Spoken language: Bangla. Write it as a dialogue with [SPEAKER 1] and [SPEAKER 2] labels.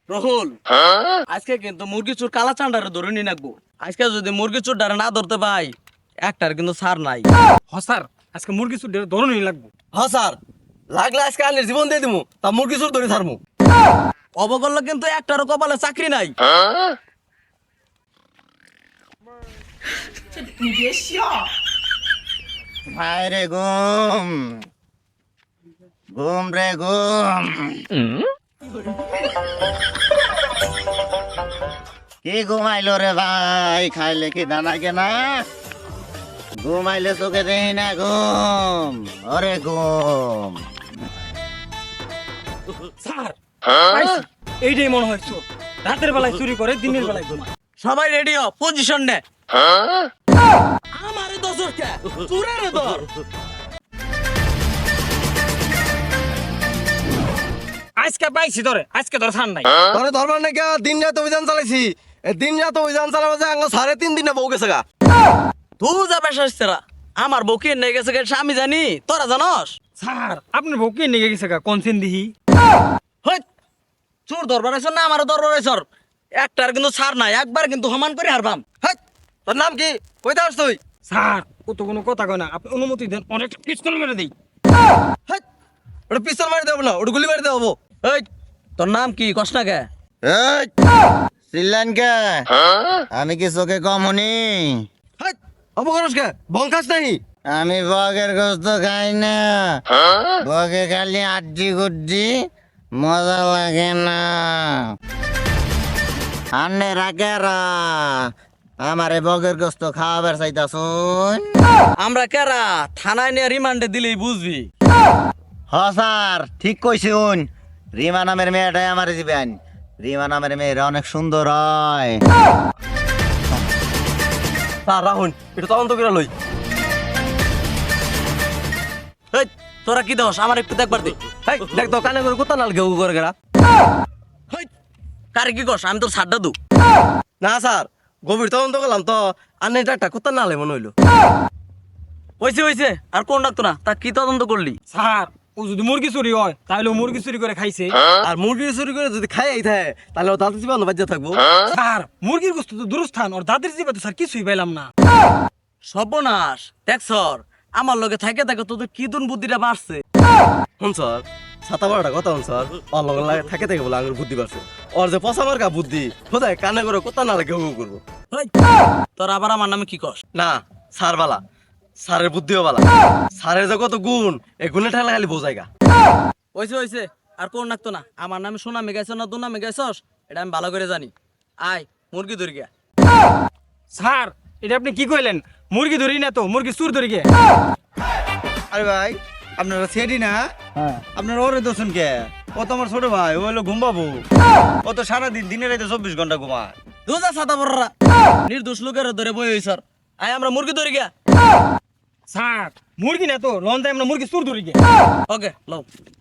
[SPEAKER 1] রহুল, আজকে কিন্তু মুরগি চোর কালা চান্ডারে ধরে নিয়ে রাখবো। আজকে যদি মুরগি চোর ডারে না ধরতে পাই, একটার কিন্তু সার নাই।
[SPEAKER 2] স্যার আজকে মুরগি চুর ধরনই লাগবো।
[SPEAKER 3] হ্যাঁ স্যার, লাগলে আজকে আনের জীবন দিয়ে দিমু, তা মুরগি চোর ধরে ছাড়মু।
[SPEAKER 1] অবগল্য কিন্তু একটারও কপালে চাকরি নাই।
[SPEAKER 4] হায় রে ঘুম, ঘুম রে ঘুম। কি ঘুমাইলো রে ভাই, খাইলে কি দানা কেনা? ঘুমাইলে চোখে দেখি না ঘুম, ওরে ঘুম।
[SPEAKER 2] স্যার পাইছি, এইটাই মনে হয় চোর। রাতের বেলায় চুরি করে, দিনের বেলায় ঘুমায়।
[SPEAKER 1] সবাই রেডি হ, পজিশন নে। আমারে দোসর কে চুরেরে ধর।
[SPEAKER 2] আজকে পাইছি ধরে, আজকে ধরে ছাড় নাই।
[SPEAKER 3] তোরে ধরবার নাকি দিন রাত অভিযান চালাইছি। দিন রাত অভিযান চালাবো যে আঙ্গ 3.5 দিনে বউ গেছে গা।
[SPEAKER 1] তুই যা বেশাইছরা, আমার বউকে নিয়ে গেছে গেছে আমি জানি, তোরা জানস?
[SPEAKER 2] স্যার আপনার বউ কে নিয়ে গেছে কোন সিন দিহি?
[SPEAKER 1] হই, চোর দরবার আইছ না আমারও দরবার আইছ? একটার কিন্তু ছাড় নাই, একবার কিন্তু সমান করে হারবাম।
[SPEAKER 3] হেই, তোর নাম কি? কইতে আসছ তুই?
[SPEAKER 2] স্যার ও তো কোনো কথা কয় না, আপনি অনুমতি দেন, অনেক পিস্তল মেরে দেই।
[SPEAKER 3] হেই, ওটা পিস্তল মারি দেবো না, ওটা গুলি মারি দেবো।
[SPEAKER 1] এই, তোর নাম কি কস না কে?
[SPEAKER 4] এই, চিল্লান কে? আমি কি চোখে কম হনি?
[SPEAKER 3] হেই, অপকরস কে? বংখাস নাই?
[SPEAKER 4] আমি বগের গোস্ত খাই না, বগে খালি আড্ডি গুড্ডি, মজা লাগে না। আন্নে রাখেরা আমারে বগের গোস্ত খাওয়াবার চাইতাছুন?
[SPEAKER 1] আমরা কেরা থানায় নিয়ে রিমান্ডে দিলেই বুঝবি।
[SPEAKER 4] হ স্যার, ঠিক কইছুন। রিমা নামের মেয়েটাই আমারে দিবেন। রিমা নামের মেয়েরা অনেক সুন্দর হয়।
[SPEAKER 3] স্যার রাহুন, এটা তদন্ত করে লই।
[SPEAKER 1] এই, তোরা কি দোষ আমার একটু দেখবার দে।
[SPEAKER 3] হেই, দেখ তো কানে করে কোথা নাল গেউ করে গেরা।
[SPEAKER 1] হেই, কারে কি কস? আমি তোর ছাড়টা দু।
[SPEAKER 3] না স্যার, গভীর তদন্ত করলাম তো আন্নের একটা কোথা নালে মনে হইলো।
[SPEAKER 1] হইছে হইছে, আর কোন ডাক্তার না, তা কি তদন্ত করলি?
[SPEAKER 2] স্যার ও যদি মুরগি চুরি হয় তাহলে ও মুরগি চুরি করে খাইছে।
[SPEAKER 3] আর মুরগি চুরি করে যদি খাই থাকে তাহলে ও দাঁতে চিবানো বাজ্যা থাকবো।
[SPEAKER 2] স্যার মুরগির গোস্ত তো দূরস্থান, ওর দাঁতের জিভে তো স্যার কিছুই পাইলাম না।
[SPEAKER 1] সর্বনাশ, দেখ সর, আমার লগে থাকে থাকে তোদের কি দুন বুদ্ধিটা বাড়ছে।
[SPEAKER 3] হন স্যার, ছাতা বড়টা কথা হন স্যার, ওর লগে লাগে থাকে থাকে বলে আঙুর বুদ্ধি পারছে। ওর যে পচা মার্কা বুদ্ধি, কোথায় কানে করে কোথা নালে গেউ করবো।
[SPEAKER 1] হেই, তোর আবার আমার নামে কি কস?
[SPEAKER 3] না স্যার বালা, স্যারের বুদ্ধিও বালা। স্যারের যে কত গুণ, এই গুণে ঠেলা খালি বোঝাইগা।
[SPEAKER 1] হইছে হইছে, আর কোন ডাক্তার না, আমার নামে সোনামে গাইছ না দুনামে গাইছস এটা আমি ভালো করে জানি। আয় মুরগি ধরি গিয়া।
[SPEAKER 2] স্যার এটা আপনি কি কইলেন? মুরগি ধরি না তো, মুরগি চুর ধরি গে।
[SPEAKER 5] আরে ভাই, আপনারা সেটি না? আপনারা ওরে দোষণ কে? ও তো আমার ছোট ভাই, ও হলো ঘুমবাবু। ও তো সারাদিন দিনে রাইতে 24 ঘন্টা ঘুমায়।
[SPEAKER 1] দুজা সাদা বড়রা নির্দোষ লোকের ধরে বই হই স্যার। আয় আমরা মুরগি ধরি গিয়া।
[SPEAKER 2] স্যার মুরগি না তো, লন আমরা মুরগি চুর ধরি গে।
[SPEAKER 1] ওকে লও।